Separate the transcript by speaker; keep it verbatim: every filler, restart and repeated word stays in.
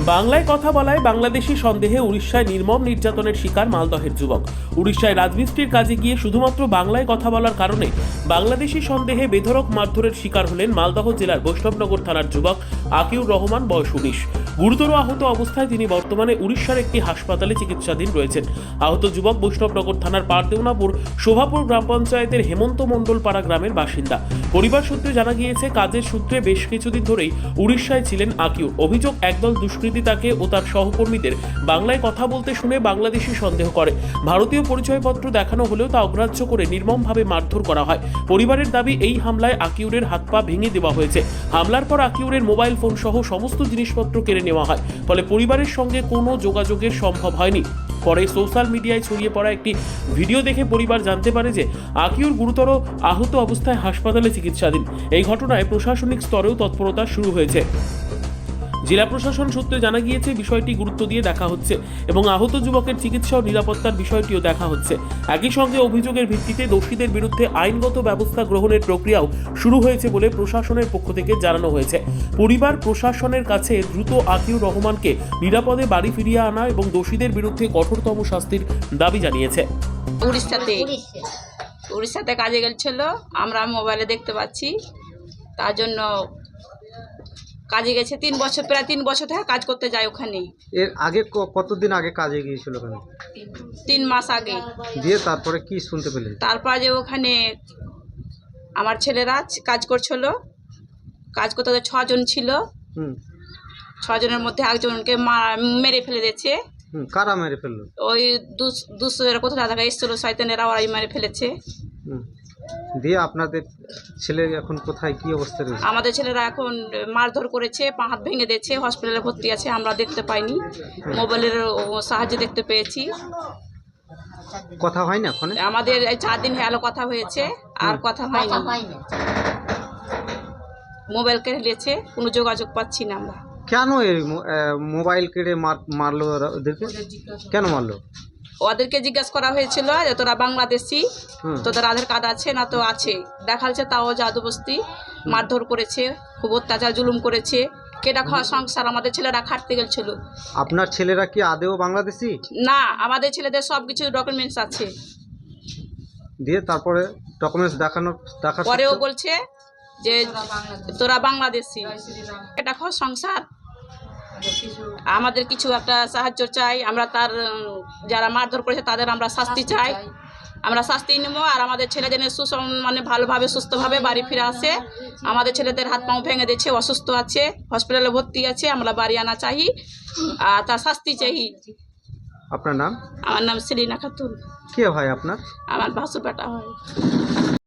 Speaker 1: বাংলায় কথা বলায় বাংলাদেশি সন্দেহে উড়িষ্যায় নির্মম নির্যাতনের শিকার মালদহের যুবক। উড়িষ্যায় রাজমিস্ত্রির কাজে গিয়ে শুধুমাত্র বাংলায় কথা বলার কারণে বাংলাদেশি সন্দেহে বেধড়ক মারধরের শিকার হলেন মালদহ জেলার বৈষ্ণবনগর থানার যুবক আকিউর রহমান, বয়স উনিশ। গুরুতর আহত অবস্থায় তিনি বর্তমানে উড়িষ্যার একটি হাসপাতালে চিকিৎসাধীন রয়েছেন। আহত যুবক বৈষ্ণবনগর থানার পারদেওনাপুর শোভাপুর গ্রাম পঞ্চায়েতের হেমন্ত মণ্ডল পাড়া গ্রামের বাসিন্দা। পরিবার সূত্রে জানা গিয়েছে, কাজের সূত্রে বেশ কিছুদিন ধরেই উড়িষ্যায় ছিলেন আকিউর। অভিযোগ, একদল দুষ্কৃতী তাকে ও তার সহকর্মীদের বাংলায় কথা বলতে শুনে বাংলাদেশি সন্দেহ করে। ভারতীয় পরিচয়পত্র দেখানো হলেও তা অগ্রাহ্য করে নির্মমভাবে মারধর করা হয়। পরিবারের দাবি, এই হামলায় আকিউরের হাত পা ভেঙে দেওয়া হয়েছে। হামলার পর আকিউরের মোবাইল ফোন সহ সমস্ত জিনিসপত্র কেড়ে নেওয়া হয়। ফলে পরিবারের সঙ্গে কোনো যোগাযোগের সম্ভব হয়নি। পরে সোশ্যাল মিডিয়ায় ছড়িয়ে পড়া একটি ভিডিও দেখে পরিবার জানতে পারে যে আকিউর গুরুতর আহত অবস্থায় হাসপাতালে চিকিৎসাধীন। এই ঘটনায় প্রশাসনিক স্তরেও তৎপরতা শুরু হয়েছে। জেলা প্রশাসন সূত্রে জানা গিয়েছে, বিষয়টি গুরুত্ব দিয়ে দেখা হচ্ছে এবং আহত যুবকের চিকিৎসা ও নিরাপত্তার বিষয়টিও দেখা হচ্ছে। একই সঙ্গে অভিযোগের ভিত্তিতে দোষীদের বিরুদ্ধে আইনগত ব্যবস্থা গ্রহণের প্রক্রিয়াও শুরু হয়েছে বলে প্রশাসনের পক্ষ থেকে জানানো হয়েছে। পরিবার প্রশাসনের কাছে দ্রুত আকিউর রহমানকে নিরাপদে বাড়ি ফিরিয়ে আনা এবং দোষীদের বিরুদ্ধে কঠোরতম শাস্তির দাবি জানিয়েছে।
Speaker 2: উড়িষ্যাতে উড়িষ্যাতে কাজে গেছিল, আমরা মোবাইলে দেখতে পাচ্ছি। তার জন্য কাজে গেছে তিন বছর, প্রায় তিন বছর থেকে কাজ করতে যায় ওখানে।
Speaker 3: এর আগে ক- কতদিন আগে কাজে গিয়েছিল ওখানে?
Speaker 2: তিন মাস আগে।
Speaker 3: দিয়ে তারপরে কি শুনতে পেলেন?
Speaker 2: তারপর যে ওখানে আমার ছেলেরা কাজ করছিল, কাজ করতে ওদের ছজন ছিল।
Speaker 3: হুম
Speaker 2: ছজনের মধ্যে একজনকে মা- মেরে ফেলে দিয়েছে।
Speaker 3: হুম কারা মেরে ফেললো?
Speaker 2: ওই দুশো কোথাও দেখা এসেছিল, শয়তানেরা, ওরাই মেরে ফেলেছে।
Speaker 3: হুম দিয়ে আপনাদের ছেলে এখন কোথায়, কি অবস্থা রয়েছে?
Speaker 2: আমাদের ছেলেরা এখন মারধর করেছে, পা হাত ভেঙে দিয়েছে, হসপিটালে ভর্তি আছে। আমরা দেখতে পাইনি, মোবাইলের সাহায্যে দেখতে পেয়েছি।
Speaker 3: কথা হয় না ওখানে?
Speaker 2: আমাদের এই চার দিন হলো কথা হয়েছে, আর কথা হয়নি। মোবাইল কেড়ে নিয়েছে, কোনো যোগাযোগ পাচ্ছি না আমরা।
Speaker 3: কেন এই মো- আহ, মোবাইল কেড়ে মার- মারলো ওরা ওদেরকে? কেন মারলো?
Speaker 2: ওদেরকে জিজ্ঞাসা করা হয়েছিল যে তোরা বাংলাদেশি,
Speaker 3: হুম।
Speaker 2: তোদের আধার কার্ড আছে না? তো আছে, দেখাচ্ছে। তাও জাদুবস্তি মারধর করেছে, খুব অত্যাচার জুলুম করেছে। কেটা খাওয়া সংসার, আমাদের ছেলেরা খাটতে গেছিল।
Speaker 3: আপনার ছেলেরা কি আদেও বাংলাদেশি?
Speaker 2: না, আমাদের ছেলেদের সব কিছু ডকুমেন্টস আছে।
Speaker 3: দিয়ে তারপরে ডকুমেন্টস দেখানো দেখার
Speaker 2: পরেও
Speaker 3: সত্ত্বেও-
Speaker 2: বলছে যে তোরা বাংলাদেশি। এটা খাওয়া সংসার, আমাদের কিছু একটা সাহায্য চাই। আমরা তার উম, যারা মারধর করেছে তাদের আমরা শাস্তি চাই। আমরা শাস্তি নেবো, আর আমাদের ছেলে যেন সুসম মানে ভালোভাবে সুস্থভাবে বাড়ি ফিরে আসে। আমাদের ছেলেদের হাত পাও ভেঙে দিয়েছে, অসুস্থ আছে, হসপিটালে ভর্তি আছে। আমরা বাড়ি আনা চাই, আর তার শাস্তি চাই।
Speaker 3: আপনার নাম?
Speaker 2: আমার নাম সেলিনা খাতুন।
Speaker 3: কে হয় আপনার?
Speaker 2: আমার ভাসুর বেটা হয়।